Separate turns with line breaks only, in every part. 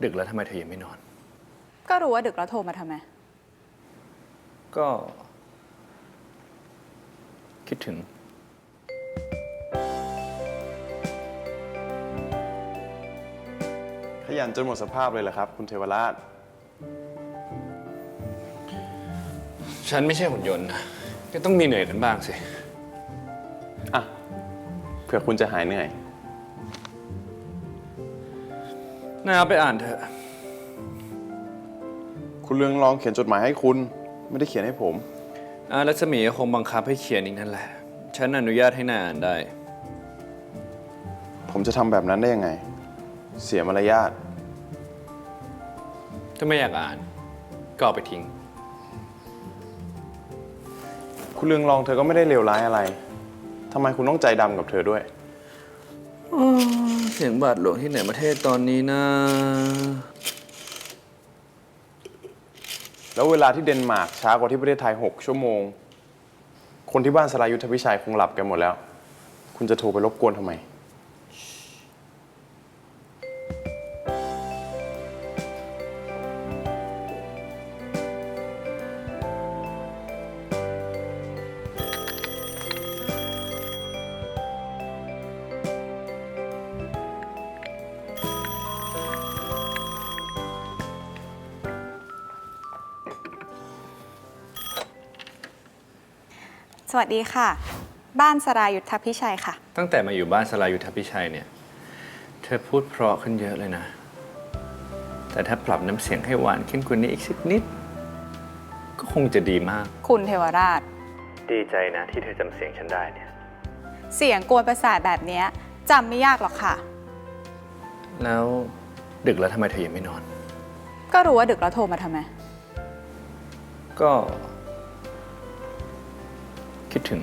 ดึกแล้วทำไมเธอยังไม่นอน
ก็รู้ว่าดึกแล้วโทรมาทำไม
ก็คิดถึง
ขยันจนหมดสภาพเลยเหรอครับคุณเทวราช
ฉันไม่ใช่หุ่นยนต์นะก็ต้องมีเหนื่อยกันบ้างสิ
อ่ะเผื่อคุณจะหายเหนื่อย
น่าเอาไปอ่านเถอะ
คุณเรืองรองเขียนจดหมายให้คุณไม่ได้เขียนให้ผม
รัศมีคงบังคับให้เขียนอีกนั่นแหละฉันอนุญาตให้น่าอ่านได้
ผมจะทำแบบนั้นได้ยังไงเสียมารยาท
ถ้าไม่อยากอ่านก็เอาไปทิ้ง
คุณเรืองรองเธอก็ไม่ได้เลวร้ายอะไรทำไมคุณต้องใจดำกับเธอด้วย
เสียงบาทหลวงที่ไหนประเทศตอนนี้นะ
แล้วเวลาที่เดนมาร์กช้ากว่าที่ประเทศไทย6 ชั่วโมงคนที่บ้านสรายุทธพิชัยคงหลับกันหมดแล้วคุณจะโทรไปรบกวนทำไม
สวัสดีค่ะ บ้านสรายุทธพิชัยค่ะ
ตั้งแต่มาอยู่บ้านสรายุทธพิชัยเนี่ยเธอพูดเพราะขึ้นเยอะเลยนะแต่ถ้าปรับน้ำเสียงให้หวานขึ้นกว่านี้อีกสักนิดก็คงจะดีมาก
คุณเทวราช
ดีใจนะที่เธอจำเสียงฉันได้เนี่ย
เสียงกวนประสาทแบบนี้จำไม่ยากหรอกค่ะ
แล้วดึกแล้วทำไมเธอยังไม่นอน
ก็รู้ว่าดึกแล้วโทรมาทำไม
ก็คิดถึง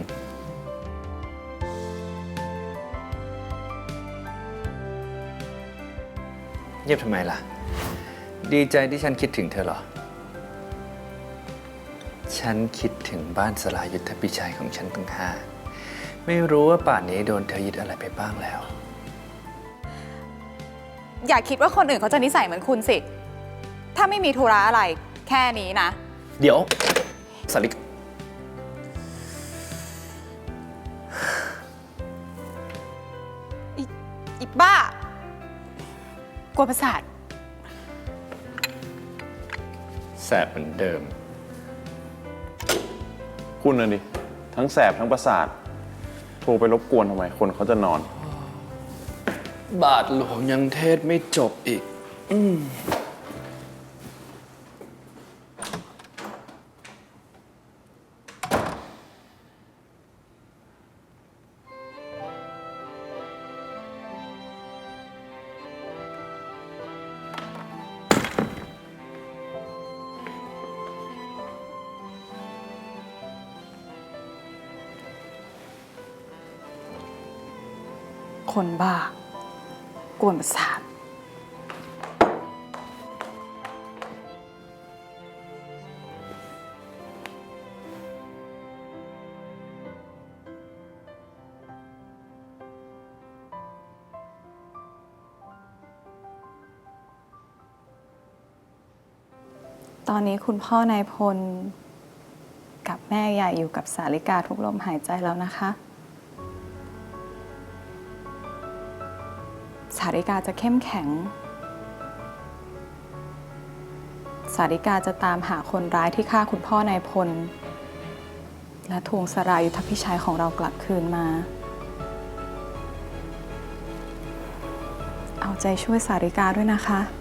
เงียบทำไมล่ะดีใจที่ฉันคิดถึงเธอเหรอฉันคิดถึงบ้านสรายุทธพิชัยของฉันตั้งห้าไม่รู้ว่าป่านนี้โดนเธอยึดอะไรไปบ้างแล้ว
อย่าคิดว่าคนอื่นเขาจะนิสัยเหมือนคุณสิถ้าไม่มีธุระอะไรแค่นี้นะ
เดี๋ยวสาริก
อีบ้ากวนประสาท
แสบเหมือนเดิม
คุณน่ะดิทั้งแสบทั้งประสาทโทรไปรบกวนทำไมคนเขาจะนอน
บาทหลวงยังเทศไม่จบอีก
คนบ้ากวนประสาทตอนนี้คุณพ่อนายพลกับแม่ใหญ่อยู่กับสาริกาทุกลมหายใจแล้วนะคะสาริกาจะเข้มแข็งสาริกาจะตามหาคนร้ายที่ฆ่าคุณพ่อนายพลและทวงสรายุทธพิชัยของเรากลับคืนมาเอาใจช่วยสาริกาด้วยนะคะ